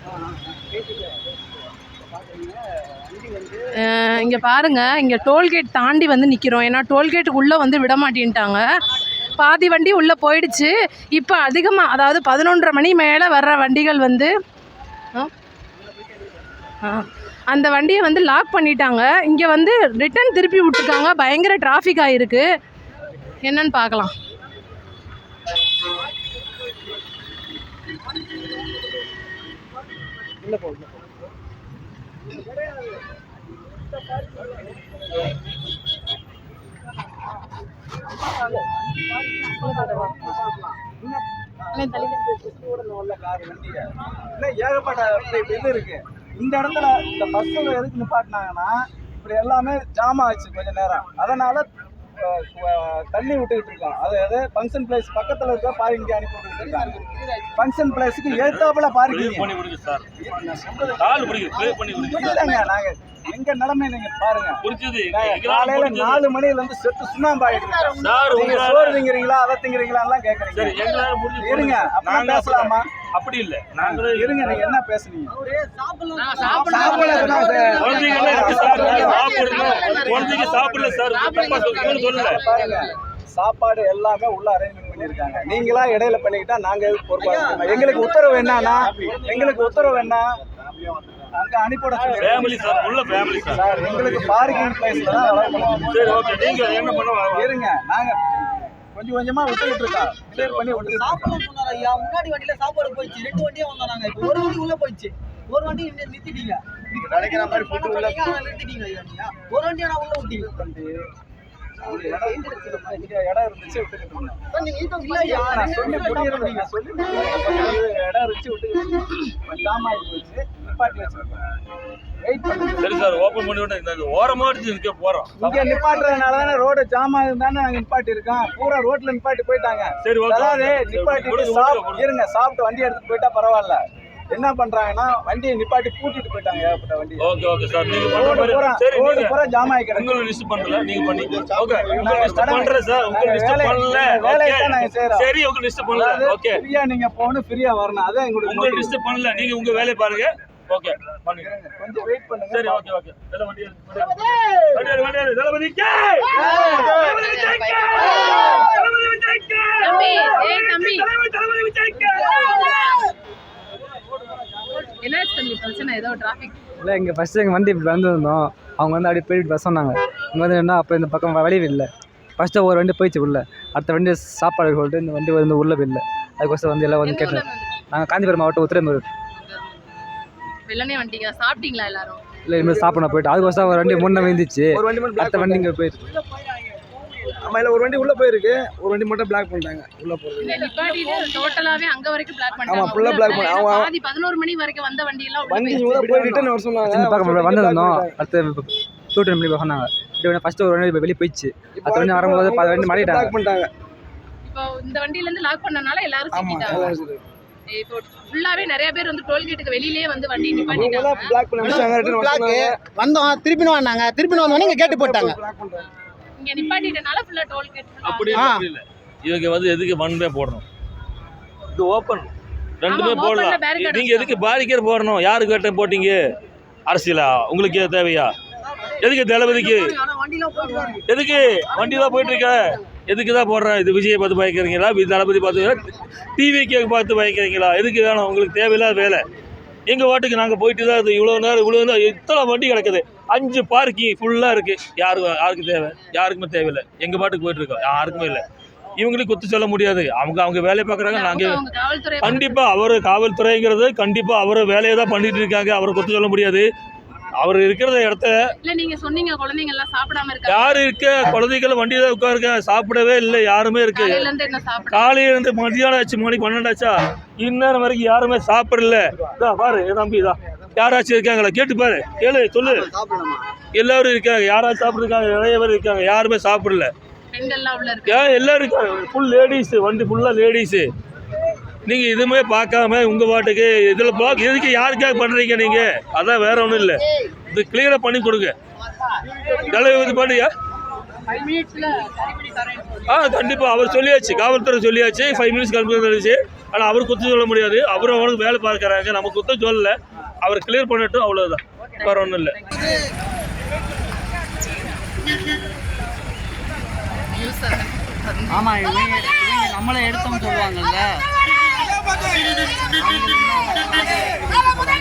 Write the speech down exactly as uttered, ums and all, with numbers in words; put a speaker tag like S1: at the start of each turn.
S1: இங்கே பாருங்கள், இங்கே டோல்கேட் தாண்டி வந்து நிற்கிறோம். ஏன்னா டோல்கேட்டுக்கு உள்ளே வந்து விட மாட்டேன்ட்டாங்க. பாதி வண்டி உள்ளே போயிடுச்சு. இப்போ அதிகமாக, அதாவது பதினொன்றரை மணி மேலே வர்ற வண்டிகள் வந்து அந்த வண்டியை வந்து லாக் பண்ணிட்டாங்க. இங்கே வந்து ரிட்டன் திருப்பி விட்டுருக்காங்க. பயங்கர டிராஃபிக் ஆகிருக்கு. என்னன்னு பார்க்கலாம்.
S2: ஏகப்பட்ட இது இருக்கு இந்த இடத்துல. இந்த பஸ்ஸில் எதுக்கு நிப்பாட்டினாங்கன்னா இப்படி எல்லாமே ஜாம் ஆச்சு கொஞ்ச நேரம். அதனால தண்ணி விட்டுக்கிட்டு இருக்கோம். அதாவது ஃபங்க்ஷன் பிளேஸ் பக்கத்தில் இருக்க பார்க்கிங் அனுப்பி விட்டுக்கிட்டு இருக்காங்க. ஃபங்க்ஷன் பிளேஸுக்கு ஏத்தாப்புல பார்க்கிங் இல்லைங்க. நாங்க எங்க நிலைமை நீங்க பாருங்க. காலையில நாலு மணில இருந்து செத்து சுண்ணாம்பு ஆயிட்டு சோறு திங்கிறீங்களா அதை திங்கிறீங்களா எல்லாம் கேக்குறீங்க. இருங்க அப்படி பேசலாமா? அப்படி இல்ல, நாங்க இருங்க. நீங்க என்ன பேசுறீங்க? பாருங்க, சாப்பாடு எல்லாமே உள்ள அரேஞ்ச்மெண்ட் பண்ணிருக்காங்க. நீங்களா இடையில பண்ணிக்கிட்டா நாங்க பொறுப்பாக. எங்களுக்கு உத்தரவு என்னன்னா எங்களுக்கு உத்தரவு என்ன அங்க அனுப்பிவிட ஃபேமிலி சார். உள்ள ஃபேமிலி சார். எங்களுக்கு பார்க்கிங் பிளேஸ்ல தான் அலோவ் பண்ணுவாங்க. சரி ஓகே. நீங்க என்ன பண்ணுவாங்க? இருங்க, நாங்க கொஞ்சம் கொஞ்சமா விட்டுக்கிட்டு இருக்கோம். கிளியர் பண்ணி விட்டு சாப்பாடு சொன்னாரு ஐயா. முன்னாடி வண்டியில சாப்பாடு போயிடுச்சு. ரெண்டு வண்டியே வந்தாங்க. இப்போ ஒரு வண்டி உள்ள போயிடுச்சு. ஒரு வண்டி நிறுத்திட்டீங்க. நீங்க நினைக்கிற மாதிரி ஃபுட் உள்ள நிறுத்திட்டீங்க ஐயா. நீங்க ஒரு வண்டி நான் உள்ள விட்டீங்க. இடம் இருந்துச்சு விட்டுக்கிட்டு இருந்தோம். நீங்க இல்ல ஐயா நான் சொல்லி புரியுறீங்க. சொல்லி இடம் இருந்துச்சு விட்டுக்கிட்டு ஜாம் ஆகி போச்சு. நிப்பாட்டி வச்சிருக்கோம். சரி சார், ஓபன் பண்ணி விட்டு இந்த ஓரமா நிக்க போறோம். இங்க நிப்பாட்டுறதுனால தானே ரோடு ஜாம் ஆகுது தானே நாங்க நிப்பாட்டி இருக்கோம். பூரா ரோட்ல நிப்பாட்டி போயிட்டாங்க. சரி, அதாவது நிப்பாட்டி சாப்பிட்டு இருங்க. சாப்பிட்டு வண்டி எடுத்துட்டு போயிட்டா பரவாயில்ல. என்ன பண்றாங்கன்னா வண்டியை நிப்பாட்டி பூட்டிட்டு போயிட்டாங்க. ஏகப்பட்ட வண்டி. Okay okay sir. நீங்க பண்ற சரி, ரோடு பூரா ஜாம் ஆகி கிடக்கு. உங்களுக்கு லிஸ்ட் பண்ணல, நீங்க பண்ணி. ஓகே, உங்களுக்கு லிஸ்ட் பண்றேன் சார். உங்களுக்கு லிஸ்ட் பண்ணல. வேலையை தான் நாங்க செய்றோம். சரி, உங்களுக்கு லிஸ்ட் பண்ணல. ஓகே, ஃப்ரீயா நீங்க போணும், ஃப்ரீயா வரணும். அதான் உங்களுக்கு உங்களுக்கு லிஸ்ட் பண்ணல. நீங்க உங்க வேலைய பாருங்க. ஓகே, பண்ணுங்க. கொஞ்சம் வெயிட் பண்ணுங்க. சரி, ஓகே ஓகே. இதல வண்டி எடுத்து வண்டி வண்டி இதல வண்டி கே தளபதி விஜய் கே தளபதி விஜய் கே தம்பி. ஏய் தம்பி, தளபதி விஜய் கே.
S1: என்ன தம்பி பிரச்சனை? ஏதோ டிராஃபிக்
S3: இல்லை. இங்கே ஃபஸ்ட்டு எங்கள் வண்டி இப்படி வந்துருந்தோம். அவங்க வந்து அப்படியே போயிட்டு பஸ் சொன்னாங்க. இங்கே வந்து என்ன அப்போ இந்த பக்கம் வழி இல்லை. ஃபஸ்ட்டு ஒரு வண்டி போயிடுச்சு உள்ள. அடுத்த வண்டி சாப்பாடு சொல்லிட்டு இந்த வண்டி வந்து உள்ள இல்லை. அதுக்கோசம் வந்து எல்லாம் வந்து கேட்டேன். நாங்கள் காஞ்சிபுரம் மாவட்டம் உத்திரமேரூர்.
S1: வெள்ளனே வண்டிங்க. சாப்பிட்டீங்களா எல்லாரும்?
S3: இல்லை, இனிமேல் சாப்பிட போயிட்டு அதுக்கோசம் ஒரு வண்டி முன்னே வந்துச்சு. அடுத்த வண்டி இங்கே போயிடுச்சு.
S2: ஆமா, இல்ல ஒரு வண்டி உள்ள போயிருக்கு. ஒரு வண்டி மட்டும் பிளாக் பண்ணிட்டாங்க. உள்ள போறது
S1: இல்ல, நிப்பாட்டிட்டு டோட்டலாவே அங்க வரைக்கும் பிளாக் பண்ணிட்டாங்க.
S2: ஆமா, ஃபுல்லா பிளாக் பண்ணி அவங்க
S1: பாதி பதினொரு மணி வரைக்கும் வந்த வண்டி எல்லாம்
S2: வண்டி உள்ள போய் ரிட்டர்ன் வர சொன்னாங்க.
S3: இந்த பக்கம் வந்திருந்தோம். அடுத்து டூ மணி சொன்னாங்க. இப்படி ஃபர்ஸ்ட் ஒரு வண்டி வெளியே போயிடுச்சு. அடுத்த வண்டி வரும்போது பல வண்டி மாட்டிட்டாங்க.
S2: பிளாக் பண்ணிட்டாங்க.
S1: இப்போ இந்த வண்டியில இருந்து லாக் பண்ணனால எல்லாரும் சிக்கிட்டாங்க. இப்போ ஃபுல்லாவே நிறைய பேர் வந்து டோல்கேட்டுக்கு வெளியிலேயே வந்து வண்டி நிப்பாட்டிட்டாங்க.
S2: பிளாக் பண்ணி வச்சாங்க. ரிட்டர்ன் வர சொன்னாங்க.
S4: வந்தோம், திருப்பி வந்தாங்க. திருப்பி வந்தோனே இங்க கேட் போட்டாங்க.
S1: இங்க நிப்பாட்டிட்டனால ஃபுல்லா டோல்கேட்.
S5: அப்படி இல்ல, இவங்க வந்து எதுக்கு ஒன் வே போடணும்? இது ஓபன் ரெண்டுமே போடலாம். நீங்க எதுக்கு பாரிக்கர் போடணும்? யாருக்கு கேட்ட போட்டீங்க? அரசியலா உங்களுக்கு தேவையா? எதுக்கு தளபதிக்கு? எதுக்கு வண்டி தான் போயிட்டு இருக்க? எதுக்கு தான் போடுறேன்? இது விஜயை பார்த்து பயக்கிறீங்களா? தளபதி பார்த்து டிவிக்கு பார்த்து பயக்கிறீங்களா? எதுக்கு வேணும்? உங்களுக்கு தேவையில்லாத வேலை. எங்கள் வாட்டுக்கு நாங்கள் போயிட்டு தான் இது இவ்வளோ நேரம் இவ்வளோ நேரம் இத்தனை வண்டி கிடக்குது. அஞ்சு பார்க்கிங் ஃபுல்லாக இருக்குது. யாருக்கு யாருக்கு தேவை? யாருக்குமே தேவையில்லை. எங்கள் பாட்டுக்கு போயிட்டுருக்கோம். யாருக்குமே இல்லை. இவங்களுக்கு குத்து சொல்ல முடியாது. அவங்க அவங்க வேலையை பார்க்குறாங்க. நாங்கள் கண்டிப்பாக அவர் காவல்துறைங்கிறது கண்டிப்பாக அவர் வேலையை தான் பண்ணிட்டு இருக்காங்க. அவரை குத்து சொல்ல முடியாது. அவர் இருக்கிற இடத்த
S1: இல்ல, நீங்க சொன்னீங்க குழந்தைங்க எல்லாம் சாப்பிடாம இருக்காங்க.
S5: யாரு இருக்க? குழந்தைகள் வண்டியில உட்காருங்க. சாப்பிடவே இல்லை. யாருமே இருக்கு. காலையில இருந்து மதியானம் ஆச்சு, மணி பன்னெண்டு ஆச்சா, இந்நேரம் வரைக்கும் யாருமே சாப்பிடல. இதான் பாரு தம்பி, தான் யாராச்சும் இருக்காங்களா? கேட்டு பாரு, கேளு, சொல்லு. எல்லாரும் இருக்காங்க. யாராச்சும் சாப்பிட்டுருக்காங்க? நிறைய பேர் இருக்காங்க. யாருமே சாப்பிடல. ஏன் எல்லாரும் இருக்காங்க. Full ladies. வண்டி ஃபுல்லா லேடிஸ். நீங்க இதுவுமே பார்க்காம உங்க பாட்டுக்கு இதுல பிளாக் எதுக்கு? யாருக்காக பண்றீங்க நீங்க? அதான் வேற ஒன்றும் இல்லை. இது கிளியரா பண்ணி கொடுங்க. தலைவர் பண்ணியா? ஆ கண்டிப்பா அவர் சொல்லியாச்சு. காவல்துறை சொல்லியாச்சு. ஃபைவ் மினிட்ஸ் கல்வி ஆனால் அவர் குற்றம் சொல்ல முடியாது. அவர் அவனுக்கு வேலை பார்க்குறாங்க, நம்ம குற்றம் சொல்லலை. அவர் கிளியர் பண்ணட்டும், அவ்வளோதான், வேறு ஒன்றும் இல்லை.
S6: ஆமாம், இவங்க இவங்க நம்மளை எடுத்தோம்னு சொல்லுவாங்கல்ல.